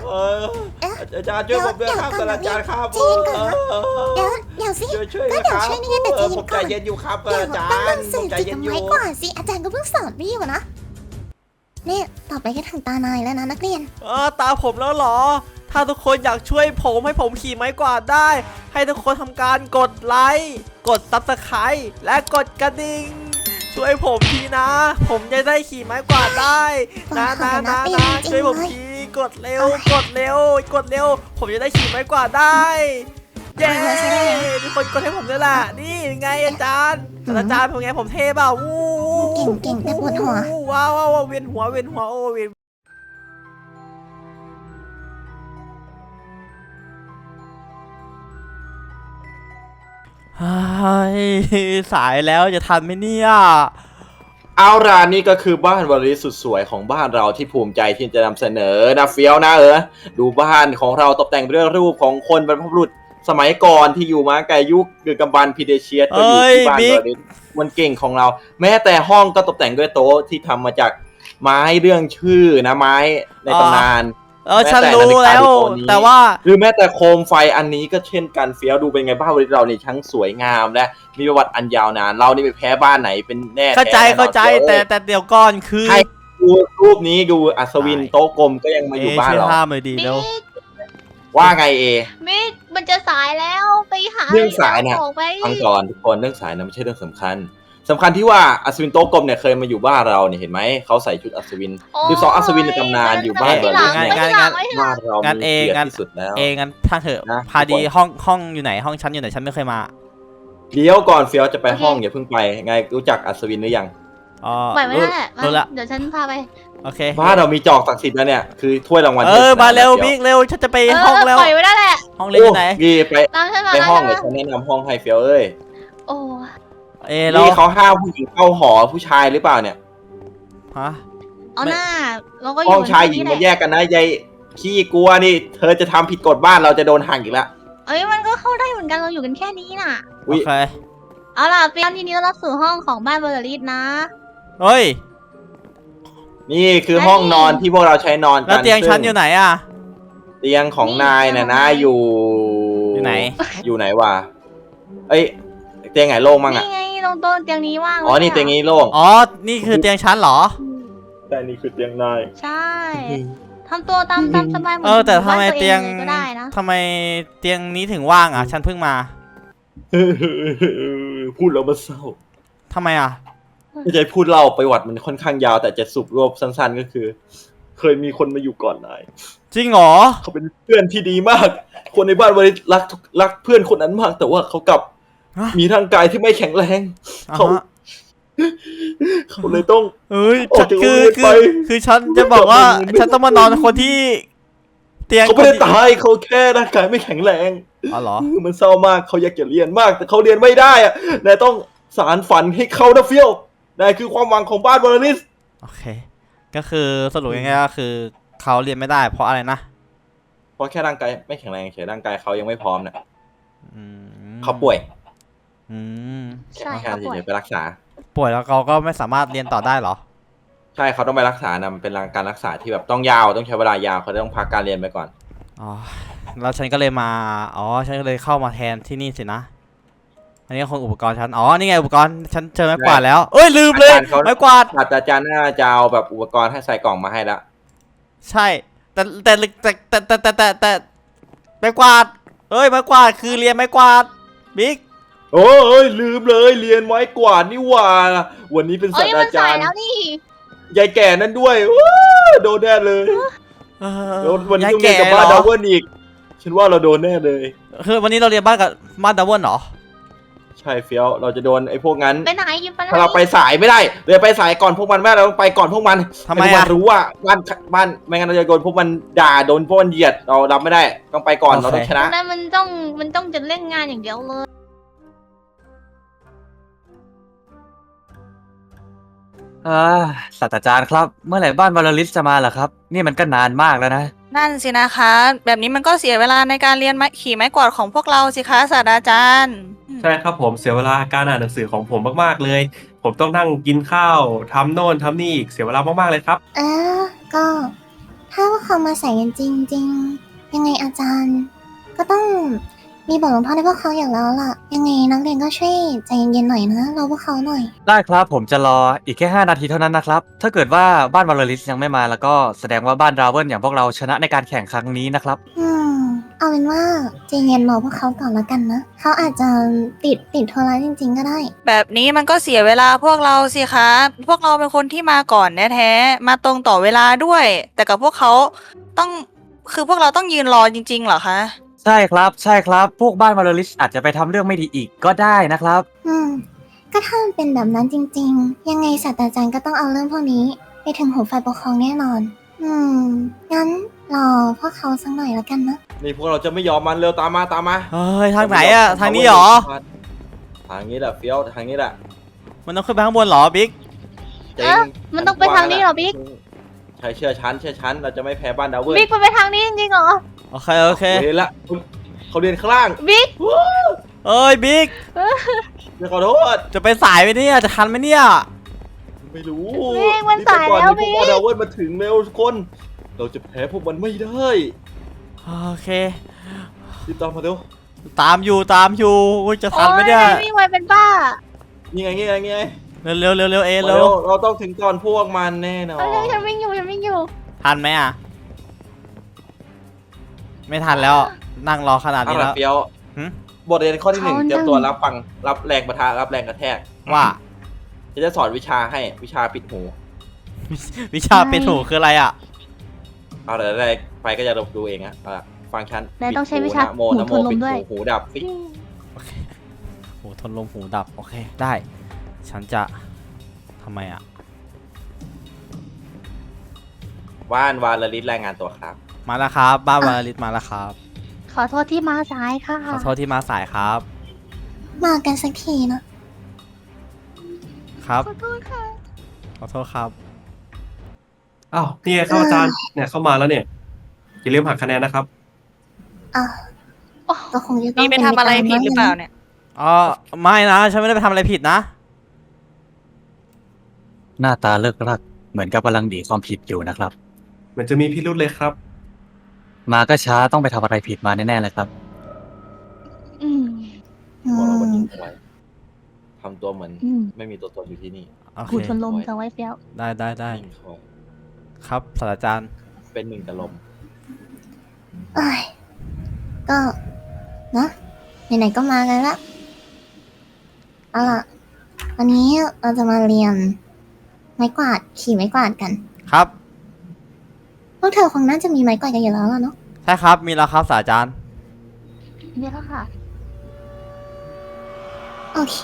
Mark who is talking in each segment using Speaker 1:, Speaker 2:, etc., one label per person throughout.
Speaker 1: เอออาจารย์ช่วยผมด้วยครับอาจารย์ครับ
Speaker 2: เดี๋ยวสิ
Speaker 1: ช่วย
Speaker 2: ก็เดี๋ยวช่วยนี่ไงแต่
Speaker 1: ผมใจเย็นอยู่ครับอาจาร
Speaker 2: ต้อง
Speaker 1: ย์ผ
Speaker 2: สื่
Speaker 1: ม
Speaker 2: อ
Speaker 1: ใจ
Speaker 2: จิต
Speaker 1: เย็น
Speaker 2: กับ
Speaker 1: อยู่
Speaker 2: ไม้ก่อนสิอาจารย์ก็เพิ่งสอนพี่อยู่นะเนี่ยต่อไปก็ถึงตานายแล้วนะนักเรียน
Speaker 3: ตาผมแล้วเหรอถ้าทุกคนอยากช่วยผมให้ผมขี่ไม้กวาดได้ให้ทุกคนทำการกดไลค์กด Subscribe และกดกระดิ่งช่วยผมทีนะ ผมจะได้ขี่ไม้กวาดได้นะช่วยผมทีกดเร็วผมจะได้ขี่ไม้กวาดได้เย้ทุกคนกดให้ผมด้วยล่ะนี่ไงอาจารย์ผมไงผมเท่เปล่าวู้
Speaker 2: เก่งแต่ปวดหัว
Speaker 3: ว้าวเวียนหัวโอ้เวียนสายแล้วจะทันไหมเนี่ย
Speaker 1: เอาล่ะนี่ก็คือบ้านวาริสุดสวยของบ้านเราที่ภูมิใจที่จะนำเสนอนะเฟี้ยวนะดูบ้านของเราตกแต่งด้วยรูปของคนบรรพบุรุษสมัยก่อนที่อยู่มาไกลยุคดึกดำบรรพ์พีเดเชียสก็อยู่ที่บ้านวาริสมันเก่งของเราแม้แต่ห้องก็ตกแต่งด้วยโต๊ะที่ทำมาจากไม้เรื่องชื่อนะไม้ในตำนาน
Speaker 3: ฉันรู้แล้วแต่ว่า
Speaker 1: หรือแม้แต่โคมไฟอันนี้ก็เช่นกันเฟี้ยวดูเป็นไงบ้านวาริสเรานี่ทั้งสวยงามและมีประวัติอันยาวนานเรานี่ไปแพ้บ้านไหนเป็นแน่
Speaker 3: เข้าใจแต่เดี๋ยวก่อนคือ
Speaker 1: ให้ดูรูปนี้ดูอัศวินโต๊ะกลมก็ยังมาอยู่บ้านเรา
Speaker 3: ห้ามเลยดีแล้ว
Speaker 1: ว่าไง
Speaker 4: มิกมันจะสายแล้วไปหา
Speaker 1: เรื่องสายเนี่ยฟังก่อนทุกคนเรื่องสายนะไม่ใช่เรื่องสำคัญที่ว่าอัศวินโต๊ะกลมเนี่ยเคยมาอยู่บ้านเราเนี่ยเห็นไหมเขาใส่ชุดอัศวิน12อัศวินในตำนานอยู่บ้านเราบ้านเรามีเกียรติที่สุดแล้ว
Speaker 3: งั้นทางเถอะพาดีห้องอยู่ไหนห้องชั้นอยู่ไหนฉันไม่เคยมา
Speaker 1: เดี๋ยวก่อนเฟี้ยวจะไปห้องอย่าเพิ่งไปไงรู้จักอัศวินหรือยัง
Speaker 4: ไปไม่ได้เดี๋ยวฉันพาไป
Speaker 3: โอเค
Speaker 1: บ้านเรามีจอกศักดิ์สิทธิ์แล้วเนี่ยคือถ้วยรางวัล
Speaker 3: มาเร็วบิ๊กเร็วฉันจะไปห้องแล้ว
Speaker 4: ปล่อยไว้ได้แหละ
Speaker 3: ห้องเล็กอยู่ไหน
Speaker 1: ไปห้องเลยฉันแนะนำห้องให้เฟี้ยว
Speaker 4: โอ้
Speaker 1: นี่เขาห้ามผู้หญิงเข้าหอผู้ชายหรือเปล่าเนี่ย
Speaker 3: ฮะ
Speaker 4: เอาหน้าเราก็
Speaker 1: ห้องชายหญิงมันแยกกันนะยายขี้กลัวนี่เธอจะทำผิดกฎบ้านเราจะโดนหักอีกแล้ว
Speaker 4: มันก็เข้าได้เหมือนกันเราอยู่กันแค่นี้น่ะ
Speaker 3: โอเค
Speaker 4: เอาล่ะเฟี้ยวทีนี้เรารับสู่ห้องของบ้านเบอร์ลิสนะ
Speaker 3: เฮ้ย
Speaker 1: นี่คือห้องนอนที่พวกเราใช้นอนกัน
Speaker 3: แล้วเตียงฉันอยู่ไหนอ่ะ
Speaker 1: เตียงของนายน่ะนะอยู่ไหนวะเตียงไหนโล่งมั่งอ่ะ
Speaker 4: นี่ไงตรงโต๊ะเตียงนี้ว่าง
Speaker 1: นี่เตียงนี้โล่ง
Speaker 3: นี่คือเตียงฉันเหรอ
Speaker 1: แต่นี่คือเตียงนาย
Speaker 4: ใช่ทำตัวตามสบายเหมื
Speaker 3: อนแต่ทำไมเตียงทำไมเตียงนี้ถึงว่างอ่ะฉันเพิ่งมา
Speaker 1: พูดแล้วมันเศร้า
Speaker 3: ทำไมอ่ะ
Speaker 1: ไม่ใช่พูดเล่าประวัติมันค่อนข้างยาวแต่จะสรุปรวบสั้นๆก็คือเคยมีคนมาอยู่ก่อนนาย
Speaker 3: จริงเหรอ
Speaker 1: เขาเป็นเพื่อนที่ดีมากคนในบ้านวันนี้รักเพื่อนคนนั้นมากแต่ว่าเขากลับมีร่างกายที่ไม่แข็งแรงเขาเลยต้อง
Speaker 3: คือฉันจะบอกว่าฉันต้องมานอนคนที่เตียง
Speaker 1: เขาไม่ได้ตายเขาแค่ร่างกายไม่แข็งแรง
Speaker 3: อ๋อเหรอ
Speaker 1: มันเศร้ามากเขาอยากจะเรียนมากแต่เขาเรียนไม่ได้อะนายต้องสารฝันให้เขานะเฟี้ยวนายคือความหวังของบ้านวอลลิส
Speaker 3: โอเคก็คือสรุปง่ายๆก็คือเขาเรียนไม่ได้เพราะอะไรนะ
Speaker 1: เพราะแค่ร่างกายไม่แข็งแรงเฉยร่างกายเขายังไม่พร้อมเนี่ยเขาป่วย
Speaker 4: ใช่เขาป่วย
Speaker 1: ไปรักษา
Speaker 3: ป่วยแล้วเขาก็ไม่สามารถเรียนต่อได้หรอ
Speaker 1: ใช่เขาต้องไปรักษานะเป็นการรักษาที่แบบต้องยาวต้องใช้เวลายาวเขาต้องพักการเรียนไปก่อน
Speaker 3: แล้วฉันก็เลยมาฉันก็เลยเข้ามาแทนที่นี่สินะอันนี้คงอุปกรณ์ฉันนี่ไงอุปกรณ์ฉันเจอไม้กวาดแล้วลืมเลยไม้กวาด
Speaker 1: อาจารย์น่าจะเอาแบบอุปกรณ์ให้ใส่กล่องมาให้แล้ว
Speaker 3: ใช่แต่ไม้กวาดไม้กวาดคือเรียนไม้กวาดบิ๊ก
Speaker 1: ลืมเลยเรียนไม้กวาดนี่ว่าวันนี้เป็นศาสตราจารย์ยายแก่นั่นด้วยโดนแน่เลยวันนี้ต้องเรียนกับบ้านดาวเวิร์นอีกฉันว่าเราโดนแน่เลย
Speaker 3: คือวันนี้เราเรียนบ้านกับบ้านดาวเวิร์นเหรอ
Speaker 1: ใช่เฟี้ยวเราจะโดนไอ้พวกนั้น
Speaker 4: ไปไหนยิมไปไหน
Speaker 1: ถ้าเราไปสายไม่ได้เราไปสายก่อนพวกมันแม่เราต้องไปก่อนพวกมัน
Speaker 3: ทำไม
Speaker 1: รู้ว่าบ้านไม่งั้นเราจะโดนพวกมันด่าโดนพวกมันเหยียดเรารับไม่ได้ต้องไปก่อนเราต้องชนะ
Speaker 4: นั่นมันต้องจะเล่นงานอย่างเดียวเลย
Speaker 5: ศาสตราจารย์ครับเมื่อไหร่บ้านวอลลิสจะมาล่ะครับนี่มันก็นานมากแล้วนะ
Speaker 6: นั่นสินะคะแบบนี้มันก็เสียเวลาในการเรียนขี่ไม้กวาดของพวกเราสิคะศาสตราจารย์
Speaker 7: ใช่ครับผมเสียเวลาการอ่านหนังสือของผมมากๆเลยผมต้องนั่งกินข้าวทำโน่นทำนี่อีกเสียเวลามากๆเลยครับ
Speaker 2: ก็ ถถ้าพวกเขามาใส่กันจริงๆ ยังไงอาจารย์ ก็ต้องมีบทลงโทษให้พวกเขาอย่างแล้วล่ะ ยังไงนักเรียนก็ช่วยใจเย็นๆหน่อยนะรอพวกเขาหน่อย
Speaker 5: ได้ครับผมจะรออีกแค่5 นาทีเท่านั้นนะครับ ถ้าเกิดว่าบ้านวอลลิสยังไม่มาแล้วก็แสดงว่าบ้านราเวนอย่างพวกเราชนะในการแข่งครั้งนี้นะครับ
Speaker 2: เอาเป็นว่าใจเย็นรอพวกเขาก่อนแล้วกันนะ เขาอาจจะติดธุระจริงๆก็ได้
Speaker 6: แบบนี้มันก็เสียเวลาพวกเราสิคะ พวกเราเป็นคนที่มาก่อนแท้ๆมาตรงต่อเวลาด้วย แต่กับพวกเขาต้องคือพวกเราต้องยืนรอจริงๆเหรอคะ
Speaker 5: ใช่ครับใช่ครับ พวกบ้านวอลลิสอาจจะไปทำเรื่องไม่ดีอีกก็ได้นะครับ
Speaker 2: ก็ถ้ามันเป็นแบบนั้นจริงๆ ยังไงศาสตราจารย์ก็ต้องเอาเรื่องพวกนี้ ไปถึงหูฝ่ายปกครองแน่นอน งั้นรอพวกเขาสักหน่อยแล้วกันนะ
Speaker 1: นี่พวกเราจะไม่ยอมมันเร็วตามมาตามมา
Speaker 3: เฮ้ยทางไหนอะทางนี้เหรอ
Speaker 1: ทางนี้แหละเฟี้ยวทางนี้แหละ
Speaker 3: มันต้องขึ้นไปข้างบนเหรอบิ๊ก
Speaker 1: จริ
Speaker 4: เอ๊ะมันต้องไปทางนี้เหรอบิ๊ก
Speaker 1: ใช่เชื่อฉันเราจะไม่แพ้บ้านดาวเวอร์
Speaker 4: บิ๊กมันไปทางนี้จริงๆเหรอ
Speaker 3: โอเคโอเค
Speaker 1: เรียนละเขาเรียนข้างล่าง
Speaker 4: บิ๊ก
Speaker 3: เอ้ยบิ๊ก
Speaker 1: เดี๋ยวขอโทษ
Speaker 3: จะไปสายไหมเนี่ยจะทันไหมเนี่ย
Speaker 1: ไม่รู้
Speaker 4: บิ๊กมันสายแล้ว
Speaker 1: รีบ
Speaker 4: บิ๊
Speaker 1: ไป
Speaker 4: ก
Speaker 1: ก่อนเดี๋ยวพวกบ้านดาวเวอร์มาถึงเร็วทุกคน เราจะแพ้พวกมันไม่ได้
Speaker 3: โอเค
Speaker 1: รีบตามมาเร็ว
Speaker 3: ตามอยู่อุ๊ยจะทันไหมเนี่ย
Speaker 4: โอ้วิ่งไวเป็นบ้า
Speaker 1: นี่ไง
Speaker 3: เร็วเร็วเร็วเร็วเอ
Speaker 1: มา
Speaker 3: เร็ว
Speaker 1: เราต้องถึงก่อนพวกมันแน่นอน
Speaker 4: เร็วฉันวิ่งอยู่
Speaker 3: ทันไหมอ่ะ ไม่ทันแล้วนั่งรอขนาด
Speaker 1: เอา
Speaker 3: นี้
Speaker 1: ละ
Speaker 3: แล้ว
Speaker 1: เฟี้ยว
Speaker 3: หึ
Speaker 1: บทเรียนข้อที่หนึ่ง
Speaker 2: เขา
Speaker 1: เตรียมตัวรับฟังรับแรงประทะรับแรงกระแทก
Speaker 3: ว่า
Speaker 1: จะสอนวิชาให้วิชาปิดหู
Speaker 3: วิชาเป็นหูคืออะไรอ่ะ
Speaker 1: เอาแต่แรกไปก็จะดูเองอะเอาล่ะฟังฉัน
Speaker 4: นายต้องใช้
Speaker 1: ปิด
Speaker 4: วิชา
Speaker 1: นะโม
Speaker 4: หู
Speaker 1: นะโม
Speaker 4: ทนลม
Speaker 1: ปิด
Speaker 4: ด้วย
Speaker 1: หูดับฟิก
Speaker 3: หูทนลมหูดับโอเคได้ ฉันจะทำไมอ่ะ
Speaker 1: ว่านวาลลิศรายงานตัวครับ
Speaker 3: มาแล้วครับบ้านวาลิตมาแล้วครับ
Speaker 4: ขอโทษที่มาสายค่ะ
Speaker 3: ขอโทษที่มาสายครับ
Speaker 2: มากันสักทีนะ
Speaker 3: ครับ
Speaker 4: ขอโทษค่ะ
Speaker 3: ขอโทษครับ
Speaker 7: อ้าวนี่ไงเข้าอาจารย์เนี่ยเข้ามาแล้วเนี่ยอย่าลืมหักคะแนนนะครับ
Speaker 2: อ่ะก็คงจะต้อง
Speaker 6: นี่ไปทำอะไรผิดหรือเปล่าเนี่ย
Speaker 3: อ๋อไม่นะฉันไม่ได้ไปทำอะไรผิดนะ
Speaker 5: หน้าตาเลิกลักเหมือนกับกำลังดีความผิดอยู่นะครับ
Speaker 7: เหมือนจะมีพิรุธเลยครับ
Speaker 5: มาก็ช้าต้องไปทำอะไรผิดมาแน่ๆเลยครับ
Speaker 4: อืม
Speaker 1: บอกเราวันนี้เอาไว้ทำตัวเหมือน
Speaker 4: อืม
Speaker 1: ไม่มีตัวตนอยู่ที่นี่
Speaker 3: โอเค
Speaker 4: หูทนลมจะไว้เฟี้ยว
Speaker 3: ได้
Speaker 1: นิ่งคอย
Speaker 3: ครับศาสตราจารย์
Speaker 1: เป็นหนึ่งกับลม
Speaker 2: เอ้ยก็นะไหนๆก็มากันละเอาล่ะ วันนี้เราจะมาเรียนไม้กวาดขี่ไม้กวาดกัน
Speaker 3: ครับ
Speaker 2: พวกเธอคงน่าจะมีไม้กวาดกันอยู่แล้วล่ะเนาะ
Speaker 3: ใช่ครับมีแล้วครับศาสตราจารย์
Speaker 4: นี่แล้วค่ะ
Speaker 2: โอเค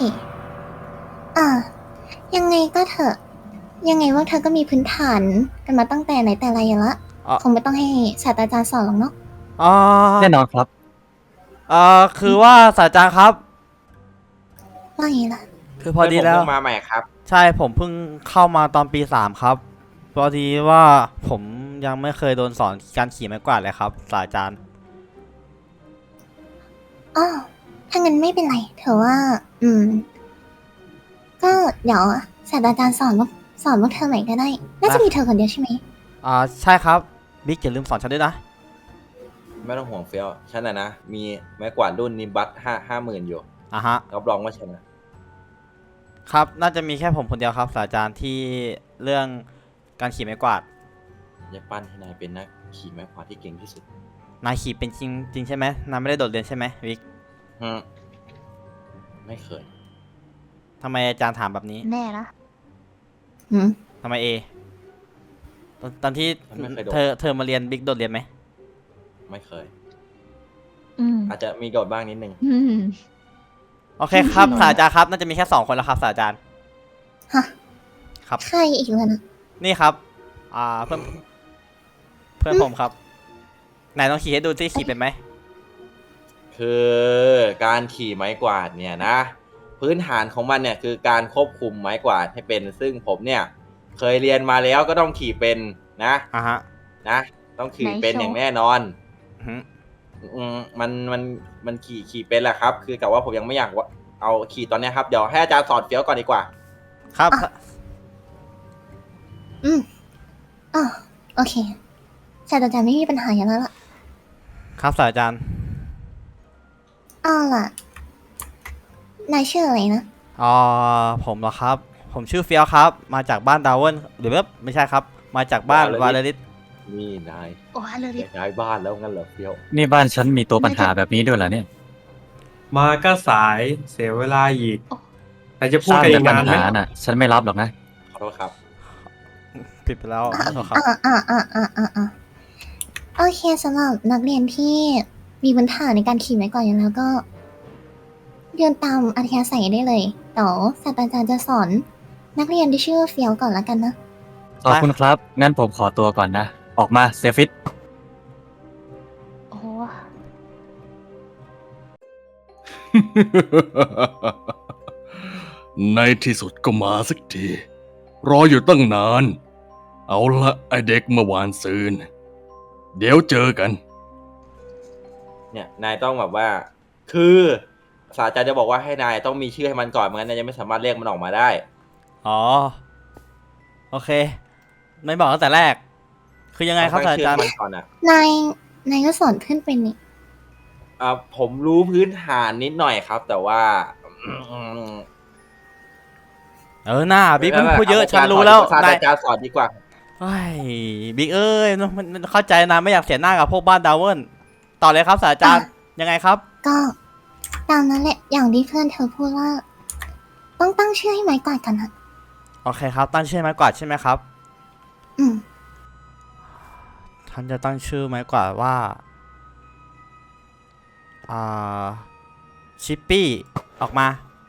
Speaker 2: ยังไงก็เถอะ ยังไงว่าเธอก็มีพื้นฐานกันมาตั้งแต่ไหนแต่ไรอยู่ละ
Speaker 3: อ๋อ
Speaker 2: คงไม่ต้องให้ศาสตราจารย์สอนหรอกเนาะ
Speaker 3: อ๋อ
Speaker 5: แน่นอนครับ
Speaker 3: คือว่าศาสตราจารย์ครับ
Speaker 2: ว่าไงล่ะ
Speaker 3: คือพอดีแล้ว
Speaker 1: เพื่นผมเพิ่งมาใหม่ครับ
Speaker 3: ใช่ผมเพิ่งเข้ามาตอนปี 3 ครับ พอดีว่าผมยังไม่เคยโดนสอนการขี่ไม้กวาดเลยครับศาสตราจารย์
Speaker 2: อ้อถ้างั้นไม่เป็นไรเธอว่า ก็เดี๋ยวศาสตราจารย์สอนพวกเธอใหม่ก็ได้ น่าจะมีเธอคนเดียวใช่ไหม
Speaker 3: ใช่ครับบิ๊กอย่าลืมสอนฉันด้วยนะ
Speaker 1: ไม่ต้องห่วงเฟี้ยวฉันนะมีไม้กวาดรุ่นนิมบัต50,000อยู่
Speaker 3: อ่ะฮะ
Speaker 1: รับรองว่าชนะ
Speaker 3: ครับน่าจะมีแค่ผมคนเดียวครับศาสตราจารย์ที่เรื่องการขี่ไม้กวาด
Speaker 1: จะปั้นให้นายเป็นนักขี่ไม้กวาดที่เก่งที่สุด
Speaker 3: นายขี่เป็นจริงใช่ไหมนายไม่ได้โดดเรียนใช่ไหมบิ๊ก
Speaker 1: ไม่เคย
Speaker 3: ทำไมอาจารย์ถามแบบนี้
Speaker 4: แน่นะ
Speaker 2: หืม
Speaker 3: ทำไมเอตอนที่
Speaker 1: ไม่เคยโดด
Speaker 3: เธอมาเรียนบิ๊กโดดเรียนไหม
Speaker 1: ไม่เคย
Speaker 4: อืม
Speaker 1: อาจจะมีโดดบ้างนิดนึง
Speaker 4: อืม
Speaker 3: โอเคครับศาสตราจารย์ครับน่าจะมีแค่2 คนแล้วครับศาสตราจารย์
Speaker 2: ฮะ
Speaker 3: ครับ
Speaker 2: ใครอีกแล้วนะ
Speaker 3: นี่ครับ เพื่อนผมครับไหนลองขี่ให้ดูสิขี่เป็นไหม
Speaker 1: คือการขี่ไม้กวาดเนี่ยนะ พื้นฐานของมันเนี่ยคือการควบคุมไม้กวาดให้เป็น ซึ่งผมเนี่ย เคยเรียนมาแล้วก็ต้องขี่เป็นนะ
Speaker 3: ฮะ
Speaker 1: นะ ต้องขี่
Speaker 4: ไหน
Speaker 1: เป็น
Speaker 4: โชว์
Speaker 1: อย่างแน่นอน
Speaker 3: อือฮึ
Speaker 1: มันขี่เป็นแหละครับ คือกับว่าผมยังไม่อยากว่าเอาขี่ตอนเนี้ยครับ เดี๋ยวให้อาจารย์สอนเฟี้ยวก่อนดีกว่า
Speaker 3: ครับ
Speaker 2: อ๋อโอเคศศาสตราจารย์ไม่มีปัญหาอย่างนั้นละ
Speaker 3: ครับศาสตราจารย์
Speaker 2: เอาล่ะนายชื่ออะไรนะ
Speaker 3: ผมเหรอครับ ผมชื่อเฟียวครับ มาจากบ้านดาวเวิลหรือว่าไม่ใช่ครับ มาจากบ้านวาเลริส
Speaker 1: นี่นาย
Speaker 4: โอ้ฮาเลริส
Speaker 1: ย้ายบ้านแล้วงั้นเหรอเฟี้ยว
Speaker 5: นี่บ้านฉันมีตัวปัญหาแบบนี้ด้วยเหรอเนี่ย
Speaker 7: มาก็สายเสียเวลาอีกแต่จะพู
Speaker 5: ส
Speaker 7: ด
Speaker 5: ร้าง
Speaker 7: กันอี
Speaker 5: แต่
Speaker 7: ก
Speaker 5: ปัญ
Speaker 7: นานไหม
Speaker 5: หาน่ะ ฉันไม่รับหรอกนะ
Speaker 1: ขอโทษครับ
Speaker 3: ผิดไปแล้วขอโทษครับ
Speaker 2: โอเคสำหรับนักเรียนที่มีพื้นฐานในการขี่ไม้กวาดอยู่แล้วก็เดินตามอัธยาศัยได้เลยเดี๋ยวศาสตราจารย์จะสอนนักเรียนที่ชื่อเฟียวก่อนละกันนะ
Speaker 5: ขอบคุณครับ งั้นผมขอตัวก่อนนะ ออกมาเซฟิต
Speaker 4: โอ้โห
Speaker 8: ในที่สุดก็มาสักที รออยู่ตั้งนาน เอาละไอเด็กเมื่อวานซืน เดี๋ยวเจอกัน
Speaker 1: เนี่ยนายต้องแบบว่า คือศาสตราจารย์จะบอกว่าให้นายต้องมีชื่อให้มันก่อนไม่งั้นนายจะไม่สามารถเรียกมันออกมาได้
Speaker 3: อ๋อ โอเค ไม่บอกตั้งแต่แรก คือยังไงครับ
Speaker 1: ต้
Speaker 3: ศา
Speaker 1: อ
Speaker 3: สตราจารย์
Speaker 1: ชื่อมันก่อนนะ
Speaker 2: นายก็สอนเพื่อนเป็นนี่
Speaker 1: ผมรู้พื้นฐานนิดหน่อยครับ แต่ว่า
Speaker 3: หน้าบิ๊กมันพูดเยอะฉันรู้แล้ว
Speaker 1: ศาสต
Speaker 3: นาย
Speaker 1: ราจารย์สอนดีกว่า
Speaker 3: เฮ้ยบิ๊กเอ้ยมันเข้าใจนะไม่อยากเสียหน้ากับพวกบ้านดาวเวิลต่อเลยครับศาสตราจารย์ยังไงครับ
Speaker 2: ก็ตามนั้นแหละอย่างที่เพื่อนเธอพูดว่า ต้องตั้งชื่อให้ไม้กวาดกันนะ
Speaker 3: โอเคครับ ตั้งชื่อไม้กวาดใช่ไหมครับ
Speaker 2: อืม
Speaker 3: ท่านจะตั้งชื่อไม้กวาดว่าชิปปี้ออกมา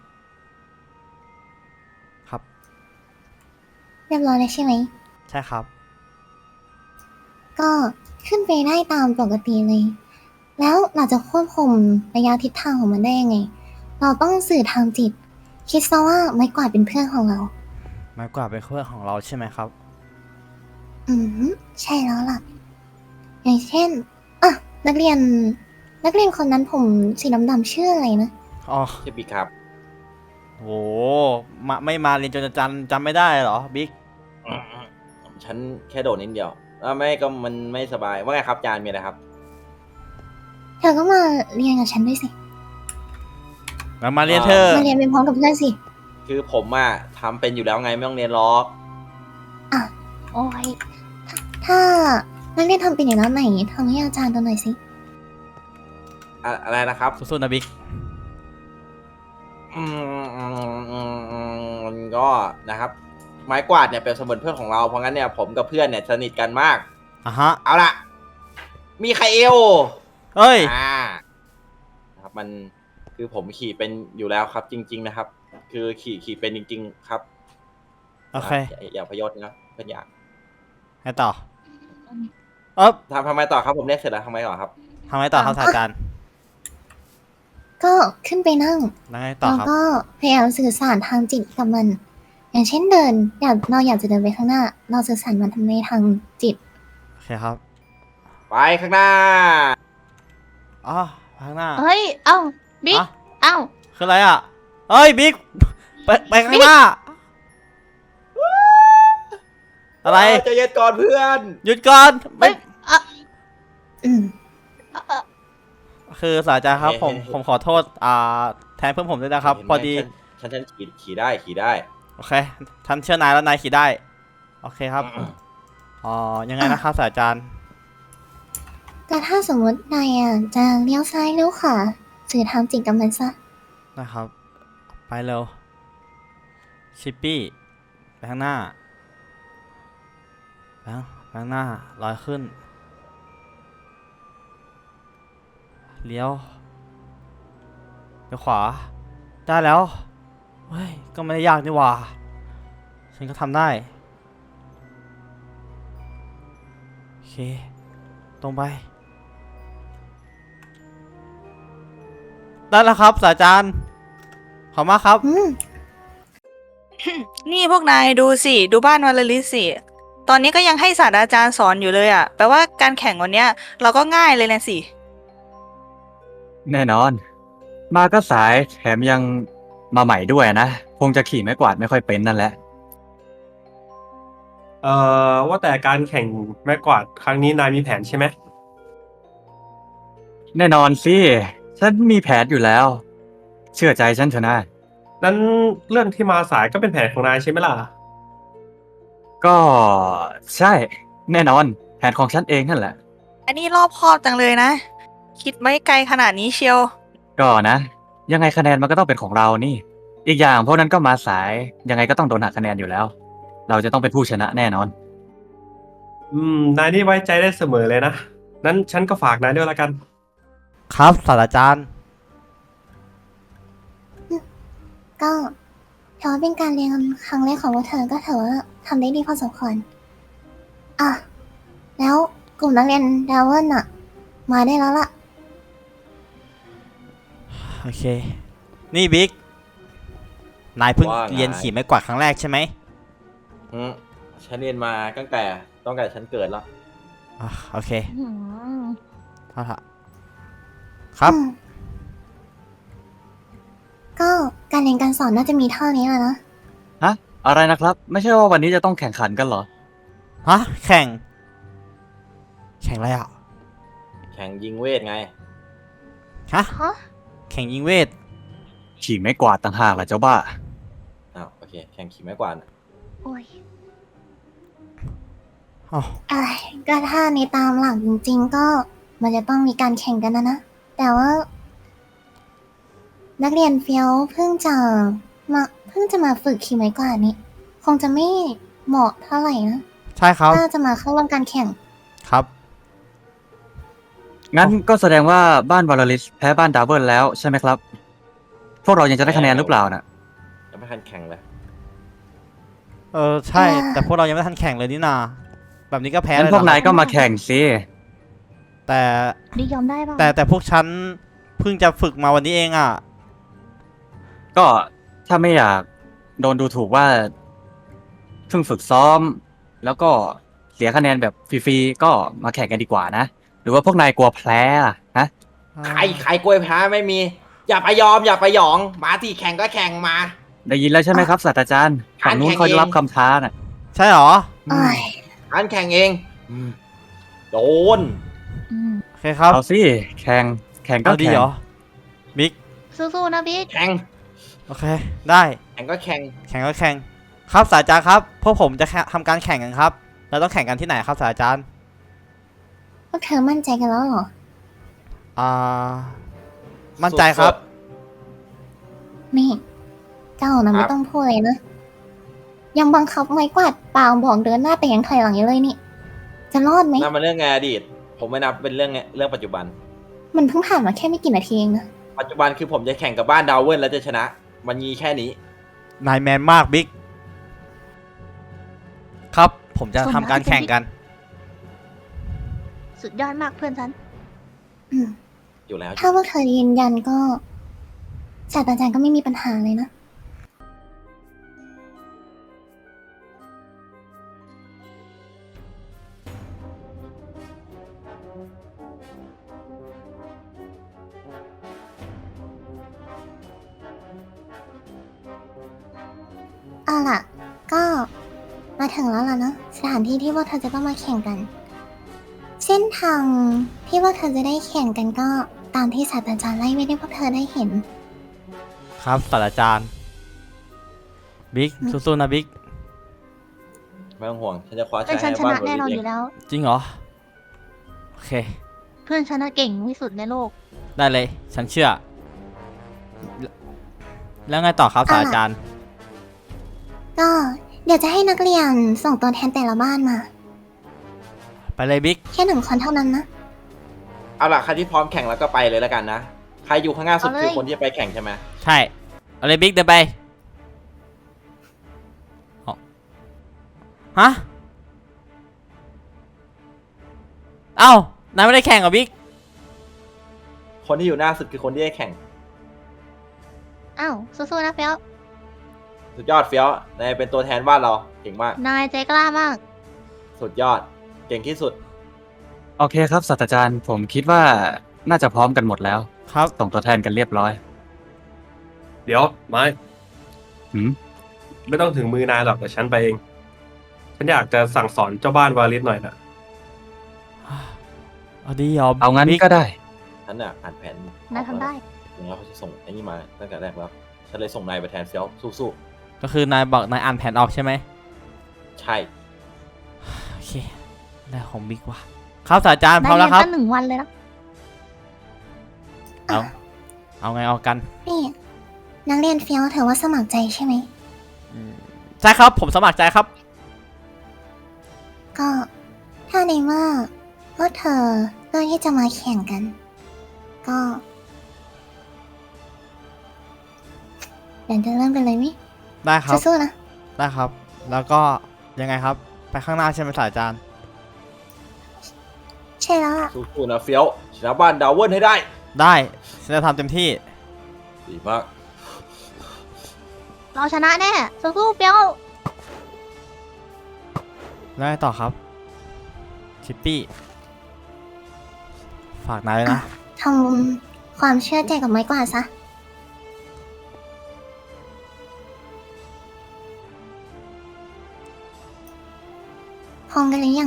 Speaker 3: ครับ
Speaker 2: เรียบร้อยแล้วใช่ไหม
Speaker 3: ใช่ครับ
Speaker 2: ก็ขึ้นไปได้ตามปกติเลย แล้วเราจะควบคุมระยะทิศทางของมันได้ยังไง เราต้องสื่อทางจิต คิดซะว่าไม้กวาดเป็นเพื่อนของเรา
Speaker 3: ไม้กวาดเป็นเพื่อนของเราใช่ไหมครับ
Speaker 2: อืมใช่แล้วล่ะ อย่างเช่นอ่ะนักเรียนคนนั้นผมสีดำๆชื่ออะไรนะ
Speaker 3: อ๋อ
Speaker 1: ชื่อบิ๊กครับ
Speaker 3: โหไม่มาเรียนจนจำไม่ได้เหรอบิ๊ก
Speaker 1: ฉันแค่โดดนิดเดียวไม่ก็มันไม่สบาย ว่าไงครับอาจารย์มีอะไรครับ
Speaker 2: เธอก็มาเรียนกับฉันด้วยสิ
Speaker 3: งั้นมาเรียนเธอะ
Speaker 2: มาเรียนเป็นพร้อมกับเพื่อนสิ
Speaker 1: คือผมอะทำเป็นอยู่แล้วไงไม่ต้องเรียนหรอก
Speaker 2: โอ้ยถ้านักเรียนทำเป็นอย่างนั้นไหนทำให้อาจารย์ดูหน่อยสิ
Speaker 1: อะไรนะครับ
Speaker 3: สู้ๆนะบิ๊ก
Speaker 1: มันก็นะครับ ไม้กวาดเนี่ยเป็นเสมือนเพื่อนของเรา เพราะงั้นเนี่ยผมกับเพื่อนเนี่ยสนิทกันมาก
Speaker 3: อ่ะฮะ
Speaker 1: เอาล่ะ มีใครเอว
Speaker 3: เฮ้ย
Speaker 1: นะครับมันคือผมขี่เป็นอยู่แล้วครับ จริง ๆ นะครับ คือขี่เป็นจริง ๆ ครับ
Speaker 3: โอเค
Speaker 1: อย่าพยศนะเพื่อนอยาก
Speaker 3: ให้ต่อ
Speaker 1: ทำไมต่อครับผมเรียกเสร็จแล้วทำไมต่อครับ
Speaker 3: ทำไงต่อครับศาสตราจารย์
Speaker 2: ก็ขึ้นไปนั่ง
Speaker 3: แล้วไงต่อ
Speaker 2: แล้ว
Speaker 3: ครับ
Speaker 2: ก็พยายามสื่อสารทางจิตกับมัน อย่างเช่นเดินเราอยากจะเดินไปข้างหน้า เราสื่อสารมันในทางจิต
Speaker 3: โอเคครับ
Speaker 1: ไปข้างหน้า
Speaker 3: อ๋อข้างหน้า
Speaker 4: เฮ้ย เอ้า บิ๊ก
Speaker 3: อ่ะ
Speaker 4: เอ้า
Speaker 3: คืออะไรอ่ะเฮ้ยบิ๊กไปข้างหน้า อะไร
Speaker 1: ใจเย็นก่อนเพื่อน
Speaker 3: หยุดก่อนไม่
Speaker 4: เฮ้ยอ่ะ
Speaker 2: อืม
Speaker 3: คือศาสตราจารย์ครับ
Speaker 1: เฮ้ย
Speaker 3: ผมขอโทษแทนเพื่อนผมด้วยนะครับ
Speaker 1: เห็นไหม
Speaker 3: พอดี
Speaker 1: ฉันขี่ได้
Speaker 3: โอเคท่านเชื่อนายแล้วนายขี่ได้ โอเคครับ ยังไงนะครับศาสตราจารย์
Speaker 2: แต่ถ้าสมมตินายอ่ะจะเลี้ยวซ้ายเลี้ยวขวาสื่อทางจิตกับมันซะ
Speaker 3: นะครับ ไปเร็ว ชิปปี้ ไปข้างหน้าไปข้างหน้าลอยขึ้น เลี้ยวขวา ได้แล้ว เฮ้ย ก็ไม่ได้ยากนี่หว่า ฉันก็ทำได้ โอเค ตรงไป ได้แล้วครับศาสตราจารย์ ขอบมากครับ
Speaker 2: อืม
Speaker 6: นี่พวกนายดูสิ ดูบ้านวาเลริสสิ ตอนนี้ก็ยังให้ศาสตราจารย์สอนอยู่เลยอะแปลว่าการแข่งวันเนี้ย เราก็ง่ายเลยนะสิ
Speaker 5: แน่นอน มาก็สายแถมยังมาใหม่ด้วยนะ คงจะขี่ไม้กวาดไม่ค่อยเป็นนั่นแหละ
Speaker 7: ว่าแต่การแข่งไม้กวาดครั้งนี้นายมีแผนใช่ไหม
Speaker 5: แน่นอนสิ ฉันมีแผนอยู่แล้ว เชื่อใจฉันเถอะนะ
Speaker 7: นั้นเรื่องที่มาสายก็เป็นแผนของนายใช่ไหมล่ะ
Speaker 5: ก็ใช่แน่นอนแผนของฉันเองนั่นแหละ
Speaker 6: อันนี้รอบคอบจังเลยนะ คิดไม่ไกลขนาดนี้เชียว
Speaker 5: ก็นะ ยังไงคะแนนมันก็ต้องเป็นของเรานี่ อีกอย่างพวกนั้นก็มาสาย ยังไงก็ต้องโดนหักคะแนนอยู่แล้ว เราจะต้องเป็นผู้ชนะแน่นอน
Speaker 7: นายนี่ไว้ใจได้เสมอเลยนะ นั้นฉันก็ฝากนายด้วยละกัน
Speaker 3: ครับศาสตราจารย์
Speaker 2: ก็ถือว่าเป็นการเรียนครั้งแรกของพวกเธอก็ถือว่าทำได้ดีพอสมควรอ่ะแล้วกลุ่มนักเรียนดาวเวิร์นอะมาได้แล้วล่ะ
Speaker 3: โอเค นี่บิ๊ก นายเพิ่ง
Speaker 1: ว่าไง
Speaker 3: เรียนขี่ไม้กวาดครั้งแรกใช่ไหม
Speaker 1: อืมฉันเรียนมาตั้งแต่ฉันเกิดแล้ว
Speaker 3: อ่ะโอเค
Speaker 4: อืม
Speaker 3: เอาละครับ
Speaker 2: อืมก็การเรียนการสอนน่าจะมีเท่านี้แหละนะ
Speaker 5: ฮะ อะไรนะครับ ไม่ใช่ว่าวันนี้จะต้องแข่งขันกันเหรอ
Speaker 3: ฮะ แข่งอะไรอ่ะ
Speaker 1: แข่งยิงเวทไง
Speaker 3: ฮะ
Speaker 4: ฮะ
Speaker 3: แข่งยิงเวท
Speaker 5: ขี่ไม้กวาดต่างหากล่ะเจ้าบ้า
Speaker 1: อ้าวโอเค แข่งขี่ไม้กวาดน่ะ
Speaker 4: โอ้ย
Speaker 3: อ๋อ
Speaker 2: อะไรก็ถ้าในตามหลักจริงๆ ก็มันจะต้องมีการแข่งกันนะ แต่ว่า นักเรียนเฟี้ยวเพิ่งจะมาฝึกขี่ไม้กวาดนี่คงจะไม่เหมาะเท่าไหร่นะ
Speaker 3: ใช่ครับ
Speaker 2: ถ้าจะมาเข้าร่วมการแข่ง
Speaker 3: ครับ
Speaker 5: งั้นก็แสดงว่าบ้านวาลลิสแพ้บ้านดาวเบิลแล้วใช่ไหมครับ พวกเรายังจะได้คะแนนหรือเปล่าน่ะ
Speaker 1: ยังไม่ทันแข่งเลย
Speaker 3: ใช่
Speaker 2: อ่า
Speaker 3: แต่พวกเรายังไม่ทันแข่งเลยนี่นา แบบนี้ก็แพ้
Speaker 5: งั้
Speaker 3: เลย
Speaker 5: นพวก
Speaker 3: เหร
Speaker 5: นา
Speaker 3: อย
Speaker 5: ก็มาแข่งสิ
Speaker 3: แต่
Speaker 4: ดิยอมได้ป่ะ
Speaker 3: แต่พวกฉันเพิ่งจะฝึกมาวันนี้เองอ่ะ
Speaker 5: ก็ถ้าไม่อยากโดนดูถูกว่าเพิ่งฝึกซ้อม แล้วก็เสียคะแนนแบบฟรีๆก็มาแข่งกันดีกว่านะ หรือว่าพวกนายกลัวแพ้ล่ะฮะ
Speaker 1: ใครกล้วยแพ้ไม่มี อย่าไปยอมอย่าไปหยอง มาที่แข่งก็แข่งมา
Speaker 5: ได้ยินแล้วใช่ไหมครับศาสตราจารย์ฝั่งนู้นเขารับคำท้าน่ะ
Speaker 3: ใช่เหรอ
Speaker 2: โอ้ย
Speaker 1: อันแข่งเองโดน
Speaker 4: อืม
Speaker 3: โอเคครับ
Speaker 5: เอาสิแข่งก็
Speaker 3: เอาดี
Speaker 5: แข่
Speaker 3: เห
Speaker 5: ง
Speaker 3: รอ บิ๊ก
Speaker 4: สู้ๆนะบิ๊ก
Speaker 1: แข่ง
Speaker 3: โอเค ได้
Speaker 1: แข่งก็แข่ง
Speaker 3: แข่งก็แข่ง ครับศาสตราจารย์ครับ พวกผมจะทำการแข่งกันครับ เราต้องแข่งกันที่ไหนครับศาสตราจารย์
Speaker 2: พวกเธอมั่นใจกันแล้วเหรอ
Speaker 3: อ่า มั่นใจครับ
Speaker 2: นี่ เจ้านะ
Speaker 1: ครั
Speaker 2: ไม่
Speaker 1: บ
Speaker 2: ต้องพูดเลยนะ ยังบังคับไม้กวาดเปล่าบอกเดินหน้าแต่ยังถอยหลังอยู่เลยนี่ จะรอดไหม
Speaker 1: นั่นมันเรื่องในอดีต ผมไม่นับเป็นเรื่องปัจจุบัน
Speaker 2: มันเพิ่งผ่านมาแค่ไม่กี่นาทีเองนะ
Speaker 1: ปัจจุบันคือผมจะแข่งกับบ้านดาวเวิร์นแล้วจะชนะ มันมีแค่นี้
Speaker 3: นายแมนมากบิ๊ก ครับ ผมจะทำการแข่งกัน
Speaker 4: สุดยอดมากเพื่อนฉัน
Speaker 2: อืม
Speaker 1: อยู่แล้ว
Speaker 2: ถ้าพวกเธอยืนยันก็ศาสตราจารย์ก็ไม่มีปัญหาเลยนะ เอาล่ะ ก็มาถึงแล้วล่ะเนอะสถานที่ที่พวกเธอจะต้องมาแข่งกัน เส้นทางที่พวกเธอจะได้แข่งกันก็ตามที่ศาสตราจารย์ไล่ไว้ให้พวกเธอได้เห็น
Speaker 3: ครับศาสตราจารย์ บิ๊ก สู้ๆนะบิ๊ก
Speaker 1: ไม่ต้องห่วง ฉันจะคว้า
Speaker 4: เพื่อน
Speaker 1: ชัย
Speaker 4: ฉัน
Speaker 1: ให้
Speaker 4: ช
Speaker 1: บ้าน
Speaker 4: นะแน่นอน
Speaker 1: เวิ
Speaker 4: อ
Speaker 1: ร์
Speaker 4: ยู่แล้ว
Speaker 3: จริงเหรอ โอเค
Speaker 4: เพื่อนฉันน่ะเก่งที่สุดในโลก
Speaker 3: ได้เลย ฉันเชื่อ แล้วไงต่อครับศาสตราจารย์
Speaker 2: ก็เดี๋ยวจะให้นักเรียนส่งตัวแทนแต่ละบ้านมา
Speaker 3: ไปเลยบิ๊ก
Speaker 2: แค่1 คนเท่านั้นนะ
Speaker 1: เอาล่ะ ใครที่พร้อมแข่งแล้วก็ไปเลยแล้วกันนะ ใครอยู่ข้างหน้าสุด
Speaker 4: เอาเลย
Speaker 1: คือคนที่จะไปแข่งใช่ไหม
Speaker 3: ใช่ เอาเลยบิ๊กเดินไปเอาฮะ เอ้านายไม่ได้แข่งกับบิ๊ก
Speaker 1: คนที่อยู่หน้าสุดคือคนที่ได้แข่ง
Speaker 4: อ้าวสู้ๆนะเฟี้ยว
Speaker 1: สุดยอดเฟี้ยวนายเป็นตัวแทนบ้านเรา เก่งมาก
Speaker 4: นายใจกล้ามาก
Speaker 1: สุดยอด เก่งที่สุด
Speaker 5: โอเคครับศาสตราจารย์ผมคิดว่าน่าจะพร้อมกันหมดแล้ว
Speaker 3: ครับ
Speaker 5: ส่งตัวแทนกันเรียบร้อย
Speaker 7: เดี๋ยวไม้
Speaker 5: หืม
Speaker 7: ไม่ต้องถึงมือนายหรอกแต่ฉันไปเองฉันนอยากจะสั่งสอนเจ้าบ้านวาลิสหน่อยนะ
Speaker 3: เอาดีเหรอ
Speaker 5: เอางั้น
Speaker 3: บิ๊ก
Speaker 5: ก็ได้
Speaker 1: ฉันน่ะอ่านแผน
Speaker 4: นายทำได้
Speaker 1: อย่างนั้นเขาจะส่งไอ้นี่มาตั้งแต่แรกแล้ว ฉันเลยส่งนายไปแทนเฟี้ยวสู้
Speaker 3: ก็คือนายบอกนายอ่านแผนออกใช่ไหม
Speaker 1: ๆ ใช่
Speaker 3: โอเคได้ของบิ๊กว่ะครับศาสตราจารย์พ
Speaker 4: นา
Speaker 3: ร้อย ม
Speaker 4: เรี
Speaker 3: แล้
Speaker 4: น
Speaker 3: วครับ
Speaker 4: ตั้ง1 วันเลยนะ
Speaker 3: เอาไงเอากัน
Speaker 2: นี่นักเรียนเฟี้ยวเธอว่าสมัครใจใช่ไหม
Speaker 3: ใช่ครับผมสมัครใจครับ
Speaker 2: ก็ถ้าในเมื่อพวกเธอเลือกที่จะมาแข่งกัน ก็เดี๋ยวจะเริ่มกันเลยมิ
Speaker 3: ได้ครับ
Speaker 2: สู้ๆนะ
Speaker 3: ได้ครับ แล้วก็ยังไงครับ ไปข้างหน้าใช่ไหมศาสตราจารย์
Speaker 2: ใช่แล้วล่ะ
Speaker 1: สู้ๆนะเฟี้ยวชนะบ้านดาวเวิร์นให้ได้
Speaker 3: ได้ฉันจะทำเต็มที่
Speaker 1: ดีมาก
Speaker 4: เราชนะแน่ สู้ๆเปียว
Speaker 3: แล้วไงต่อครับ ชิปปี้ ฝากนายด้วยนะ
Speaker 2: ทำความเชื่อใจกับไม้กวาดซะ พร้อมกันหรือยัง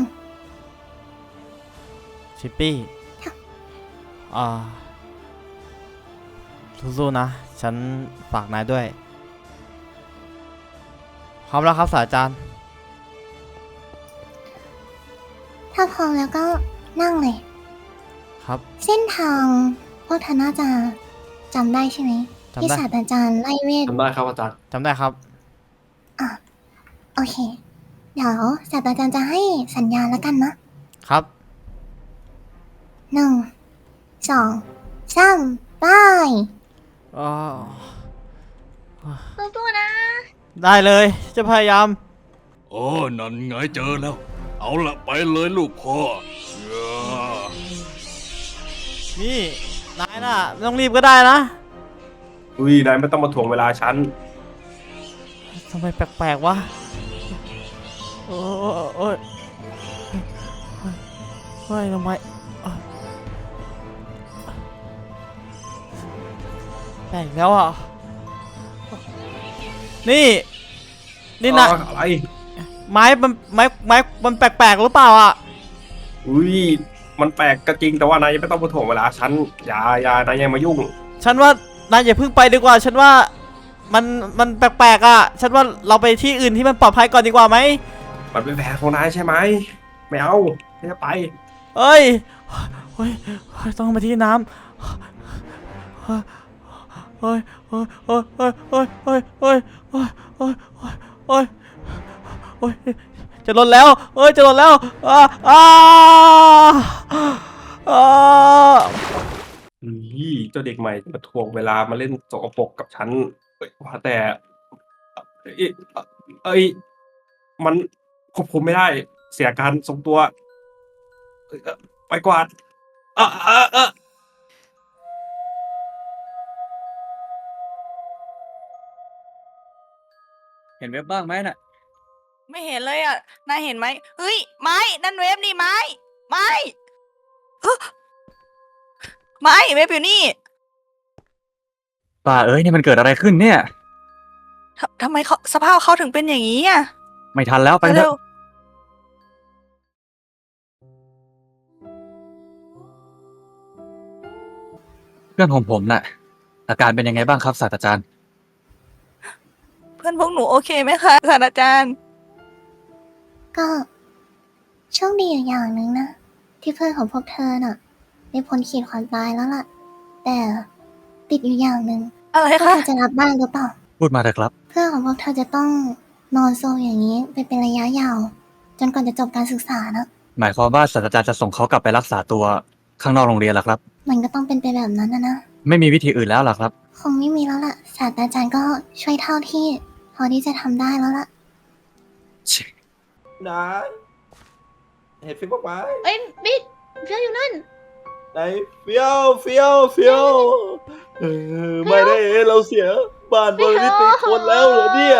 Speaker 3: ชิปปี้ สู้ๆนะ ฉันฝากนายด้วย พร้อมแล้วครับศาสตราจารย์
Speaker 2: ถ้าพร้อมแล้วก็นั่งเลย
Speaker 3: ครับ
Speaker 2: เส้นทางพวกเธอน่าจะจำได้ใช่ไหม
Speaker 3: จำได้
Speaker 2: ที่ศาสตราจารย์ไล่เวท
Speaker 7: ทำได้ครับอาจารย์
Speaker 3: จำได้ครับ
Speaker 2: โอเค เดี๋ยวศาสตราจารย์จะให้สัญญาณแล้วกันนะครับ 1 2 3ไป
Speaker 3: อ๋อ
Speaker 4: สู้ๆนะ
Speaker 3: ได้เลย จะพยายาม
Speaker 8: โอ้นั่นไงเจอแล้ว เอาละไปเลยลูกพ่อเย้อ
Speaker 3: นี่ นายน่ะไม่ต้องรีบก็ได้นะ
Speaker 7: อุ้ยนายไม่ต้องมาถ่วงเวลาฉัน
Speaker 3: ทำไมแปลกๆวะ โอ้ยโอ้ยเฮ้ยทำไมแปลกแล้วอ่ะ นี่ นี่นะ
Speaker 7: อะไร
Speaker 3: ไม้มันแปลกๆหรือเปล่าอ่ะ
Speaker 7: อุ้ยมันแปลกก็จริงแต่ว่านายยังไม่ต้องมาถ่วงเวลาฉันอย่านายยังมายุ่ง
Speaker 3: ฉันว่านายอย่าเพิ่งไปดีกว่า ฉันว่ามันแปลกๆอ่ะ ฉันว่าเราไปที่อื่นที่มันปลอดภัยก่อนดีกว่าไหม
Speaker 7: มันเป็นแผนของนายใช่ไหมไม่เอาไม่จะไป
Speaker 3: เอ้ยเฮ้ยต้องมาที่น้ำเฮ้ยเฮ้ยเฮ้ยเฮ้ยเฮ้ยเฮ้ยเฮ้ยเฮ้ยเฮ้ยเฮ้ยเฮ้ยเฮ้ยจะหล่นแล้วเฮ้ยจะหล่นแล้ว
Speaker 7: นี่เจ้าเด็กใหม่มาถ่วงเวลามาเล่นสกปรกกับฉันว่าแต่เอ้ยมันควบคุมไม่ได้ เสียการทรงตัวไปกวาดเออ
Speaker 5: เห็นเว็บบ้างไหมน่ะ
Speaker 6: ไม่เห็นเลยอ่ะ นายเห็นไหมเฮ้ย ไม้ นั่นเวฟนี่ไม้ ไม้ฮะไม้เวฟอยู่นี่
Speaker 5: ป่าเอ้ยนี่มันเกิดอะไรขึ้นเนี่ย
Speaker 6: ทำไมเขาสภาพเขาถึงเป็นอย่างนี้อ่ะ
Speaker 5: ไม่ทันแล้วไปเถ
Speaker 6: เร็ว
Speaker 5: อะเพื่อนของผมน่ะ อาการเป็นยังไงบ้างครับศาสตราจารย์
Speaker 6: เพื่อนพวกหนูโอเคไหมคะศาสตราจารย์
Speaker 2: ก็โชคดีอยู่อย่างหนึ่งนะ ที่เพื่อนของพวกเธอน่ะได้พ้นขีดความตายแล้วล่ะ แต่ติดอยู่อย่างหนึ่ง
Speaker 6: อะไร
Speaker 2: พวก
Speaker 6: คะ
Speaker 2: เธอจะรับบ้างหรือเปล่า
Speaker 5: พูดมาเถอะครับ
Speaker 2: เพื่อนของพวกเธอจะต้องนอนโซมอย่างนี้ไปเป็นระยะยาว จนกว่าจะจบการศึกษานะ
Speaker 5: หมายความว่าศาสตราจารย์จะส่งเขากลับไปรักษาตัวข้างนอกโรงเรียนล่ะครับ
Speaker 2: มันก็ต้องเป็นไปแบบนั้นนะ
Speaker 5: ไม่มีวิธีอื่นแล้วล่ะครับ
Speaker 2: คงไม่มีแล้วล่ะ ศาสตราจารย์ก็ช่วยเท่าที่ พอที่จะทำได้แล้วล่ะ
Speaker 1: นายเห็นฟิวบ้างไหม
Speaker 4: เอ้ยบิ๊กเปียวอยู่นั่น
Speaker 1: ไหนเฟี้ยวไม่ได้เราเสียบ้านบริติคนแล้วเหรอเนี่ย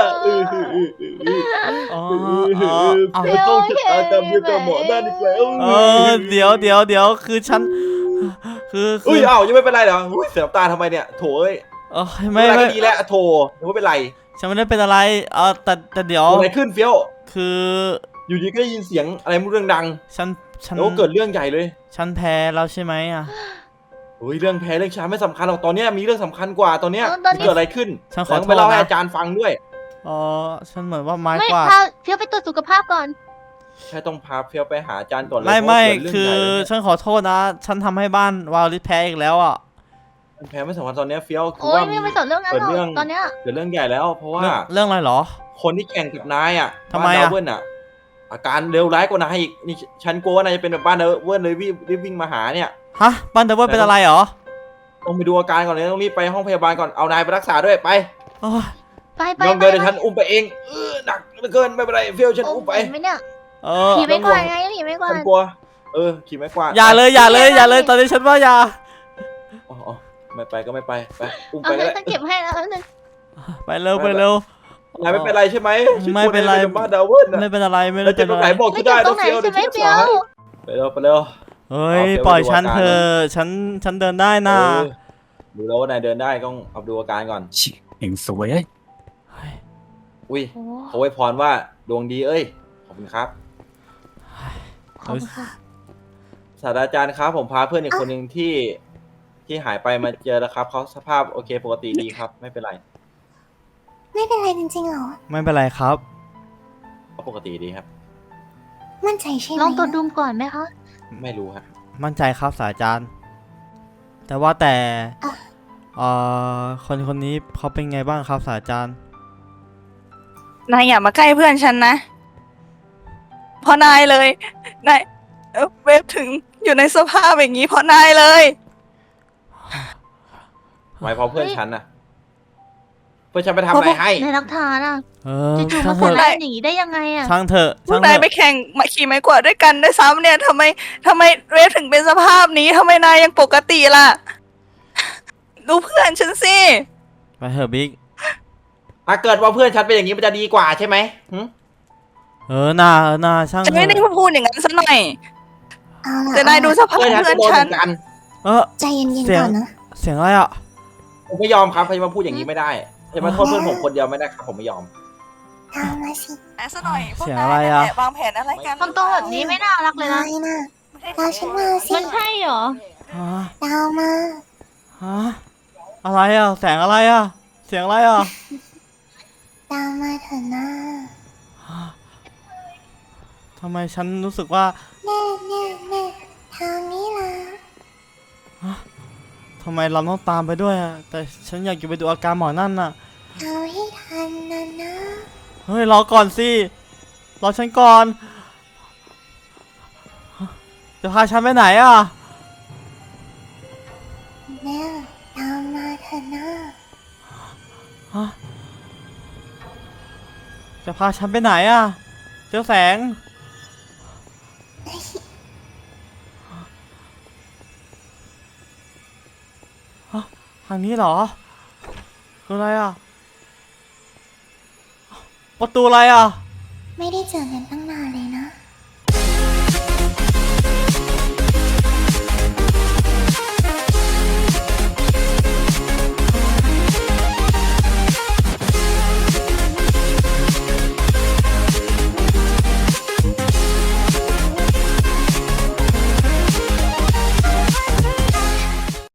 Speaker 1: ไม่ต้องชะตากรรมเดียวกับหมอนั่นอีกแล้ว
Speaker 3: เดี๋ยวคือฉัน
Speaker 1: อุ้ยอ้าวยังไม่เป็นไรเหรอเสียน้ำตาทำไมเนี่ยโถเอ้ย
Speaker 3: ไม่
Speaker 1: ไม่ดีแล้วโถยังไม่เป็นไร
Speaker 3: ฉันไม่ได้เป็นอะไรแต่เดี๋ยว
Speaker 1: อะไรขึ้นเฟี้ยว
Speaker 3: คือ
Speaker 1: อยู่ดีก็ได้ยินเสียงอะไรไม่รู้เรื่องดัง
Speaker 3: ฉัน
Speaker 1: แล้วก็เกิดเรื่องใหญ่เลย
Speaker 3: ฉันแพ้แล้วใช่ไหมอ่ะ
Speaker 1: เฮ้ยเรื่องแพ้เรื่องช้าไม่สำคัญหรอกตอนเนี้ยมีเรื่องสำคัญกว่าตอนเนี้ย
Speaker 4: ตอนนี้
Speaker 1: เกิดอะไรขึ้น
Speaker 3: ฉันขอ
Speaker 1: แล้ว
Speaker 3: โท
Speaker 1: ไป
Speaker 3: ษ
Speaker 1: เล่าให้
Speaker 3: นะ
Speaker 1: อาจารย์ฟังด้วย
Speaker 3: อ๋อฉันเหมือนว่าไม้
Speaker 4: ไม่
Speaker 3: กวาด
Speaker 4: พาเฟี้ยวไปตรวจสุขภาพก่อน
Speaker 1: แค่ต้องพาเฟียวไปหาอาจารย์ก่อนเลย
Speaker 3: ไม่
Speaker 1: เพราะว่าเกิดเรื่อง
Speaker 3: คือ
Speaker 1: ใหญ่เลย
Speaker 3: ฉันขอโทษนะ ฉันทำให้บ้านวาลิสแพ้อีกแล้วอ่ะ
Speaker 1: แพ้ไม่สำคัญตอนเนี้ยเฟียวคือ
Speaker 4: โอ้ย
Speaker 1: ว่า
Speaker 4: ไม่สนเรื่องนั้นหร
Speaker 1: เกิดเรื่
Speaker 4: อ
Speaker 1: อก ง
Speaker 4: ตอนเนี้ย
Speaker 1: เกิดเรื่องใหญ่แล้ว เพราะว่า
Speaker 3: เรื่องอะไรเหรอ
Speaker 1: คนที่แข่งกับนายอ่ะ
Speaker 3: ทำไม
Speaker 1: บ้าน
Speaker 3: อะ
Speaker 1: ดาวเวิร์นอ่ะ อาการเลวร้ายกว่านายอีกนี่ฉันกลัวว่านายจะเป็นแบบบ้านดาวเวิร์นเลยรีบวิ่งมาหาเนี่ย
Speaker 3: ฮะบ้านเดวิลเป็นอะไรเหรอ
Speaker 1: ต้องไปดูอาการก่อนเลยต้องรีบไปห้องพยาบาลก่อนเอานายไปรักษาด้วยไป
Speaker 3: โอ้ย
Speaker 4: ไปไป
Speaker 1: ยอม
Speaker 4: ไป
Speaker 1: เดินเดี๋ยวฉันอุ้มไปเองหนักเหลือเกินไม่เป็นไรเฟียวฉัน
Speaker 4: โอ้
Speaker 1: อุ้ม
Speaker 4: ไป
Speaker 1: ไป
Speaker 4: ไหมเนี่ย
Speaker 3: เออ
Speaker 4: ผีไม่กวาดไงผีไม่กวา
Speaker 1: ฉั
Speaker 4: ด
Speaker 1: นกลัวขี่ไม้กวาด
Speaker 3: อย่าเลยอย่าเลยอย่าเลยตอนนี้ฉันว่าอย่า
Speaker 1: อ๋อไม่ไปก็ไม่ไปไปอุ้ม
Speaker 4: เอา
Speaker 1: ไป
Speaker 4: เล
Speaker 1: ก็
Speaker 4: ย
Speaker 1: ได้
Speaker 4: ฉันเก็บให้แล้วนึง
Speaker 3: ไปเร็วไปเร็ว
Speaker 1: นายไม่เป็นไรใช่ไหม
Speaker 3: ไม่เป็นไร
Speaker 1: ฉักลัวายบ้านดาวเวิร์น
Speaker 3: ไม่เป็นอะไรไม่
Speaker 1: แล้ว
Speaker 3: ได้
Speaker 1: จะ
Speaker 3: เป็น
Speaker 1: ตรง
Speaker 3: อะ
Speaker 1: ไห
Speaker 3: ไร
Speaker 1: นบอก
Speaker 4: ไม่
Speaker 1: ที่
Speaker 4: เจ็
Speaker 1: ได้
Speaker 4: บตรงไหน
Speaker 1: เฟียว
Speaker 4: ใช่ไหม
Speaker 1: เดี๋ยว
Speaker 4: เฟียว
Speaker 1: ไปเร็ว
Speaker 3: เฮ้ย
Speaker 1: เอาเฟี้ยว
Speaker 3: ปล่อย
Speaker 1: ไปดู
Speaker 3: ฉัน
Speaker 1: อาการ
Speaker 3: เธอะฉันเดินได้นะ
Speaker 1: ดูแล้วว่านายเดินได้ต้องเอาดูอาการก่อน
Speaker 5: ชิเห็นสวยเอ้ย
Speaker 1: อุ้ย
Speaker 4: โอ้
Speaker 1: เขาไว้พรว่าดวงดีเอ้ยขอบคุณครับ
Speaker 4: ขอบคุณค่ะ
Speaker 1: ศาสตราจารย์ครับผมพาเพื่อนอีกคนหนึ่งที่หายไปมาเจอแล้วครับเขาสภาพโอเคปกติดีครับ ไม่เป็นไร
Speaker 2: ไม่เป็นไรจริงๆเหรอ
Speaker 3: ไม่เป็นไรครับ
Speaker 1: เขาปกติดีครับ
Speaker 2: มั่นใจใช่ไหม
Speaker 4: ลองตรวจดูก่อนไหมคะ
Speaker 1: ไม่รู้ฮะ
Speaker 3: มั่นใจครับศาสตราจารย์ แต่ว่าแต่คนนี้เขาเป็นไงบ้างครับศาสตราจารย์
Speaker 6: นายอย่ามาใกล้เพื่อนฉันนะเพราะนายเลยนายเวฟถึงอยู่ในสภาพอย่างนี้เพราะนายเลย
Speaker 1: หมายเพราะเพื่อนฉันนะเพื่อนฉันไปทำอะไรให้
Speaker 4: ในรักฐานอ่ะ
Speaker 3: เออ
Speaker 4: จู่ๆ
Speaker 3: ช่า
Speaker 4: มาง
Speaker 3: เถ
Speaker 4: ใส่
Speaker 3: อะ
Speaker 4: ร้ายอย่างนี้ได้ยังไงอ่ะ
Speaker 3: ช่างเถอะ
Speaker 6: พว
Speaker 3: ช่าก ง
Speaker 6: นา
Speaker 3: เถ
Speaker 6: ยไป
Speaker 3: อะ
Speaker 6: แข่งมาขี่ไม้กวาดด้วยกันด้วยซ้ำเนี่ยทำไมเวฟถึงเป็นสภาพนี้ทำไมนายยังปกติล่ะ ดูเพื่อนฉันสิ
Speaker 3: ไปเถอะบิ๊ก
Speaker 1: ถ้าเกิดว่าเพื่อนฉันเป็นอย่างนี้มันจะดีกว่าใช่ไหมหึ
Speaker 3: เออหน้าช่าง
Speaker 6: จะ
Speaker 3: เถ
Speaker 6: ไม่ได้
Speaker 3: อะ
Speaker 6: พูดอย่างนั้นซะหน่อย
Speaker 2: เอาล่ะ
Speaker 6: แต่นายดูสภาพ
Speaker 1: เพื่อนฉัน
Speaker 6: เพื่อน
Speaker 1: ก็โดน
Speaker 6: ฉั
Speaker 1: เห
Speaker 6: น
Speaker 1: มือนกัน
Speaker 3: เออ
Speaker 2: ใจเย็น
Speaker 3: เสียง
Speaker 2: ๆก่อนนะ
Speaker 3: เสียงอะไรอ่ะ
Speaker 1: ผมไม่ยอมครับใครจะมาพูดอย่างนี้ไม่ได้จะมาโทษเพื่อนผมคนเดียวไม่ได้ครับผมไม่ยอม
Speaker 2: ตามมาสิ
Speaker 6: แอบซะหน่อยพวก
Speaker 3: เสียง
Speaker 6: นา
Speaker 3: อะไร
Speaker 6: ย
Speaker 3: อะ
Speaker 6: เนี่ยวางแผนอะไรกัน
Speaker 4: ทำตัวแบบนี้ไม่น่ารักเลยนะ
Speaker 2: ไม่นะตามฉันมาสิ
Speaker 4: มันใช่เหรอ
Speaker 3: ฮะ
Speaker 2: ตามมา
Speaker 3: ฮะอะไรอ่ะแสงอะไรอ่ะเสียงอะไรอ่ะ
Speaker 2: ตามมาเถอะนะ
Speaker 3: ทำไมฉันรู้สึกว่า
Speaker 2: แน่ทางนี้ล่ะ
Speaker 3: ทำไมเราต้องตามไปด้วยอ่ะแต่ฉันอยากจะไปดูอาการหมอนั่นน่ะ
Speaker 2: เอาให้ทันนะ
Speaker 3: เฮ้ยรอก่อนสิรอฉันก่อนจะพาฉันไปไหนอ่ะ
Speaker 2: แม่ตามมาเถอะนะ
Speaker 3: ฮะจะพาฉันไปไหนอ่ะเจ้าแสงฮะทางนี้เหรอคืออะไรอ่ะประตูอะไรอ่ะ
Speaker 2: ไม่ได้เจอกันตั้ง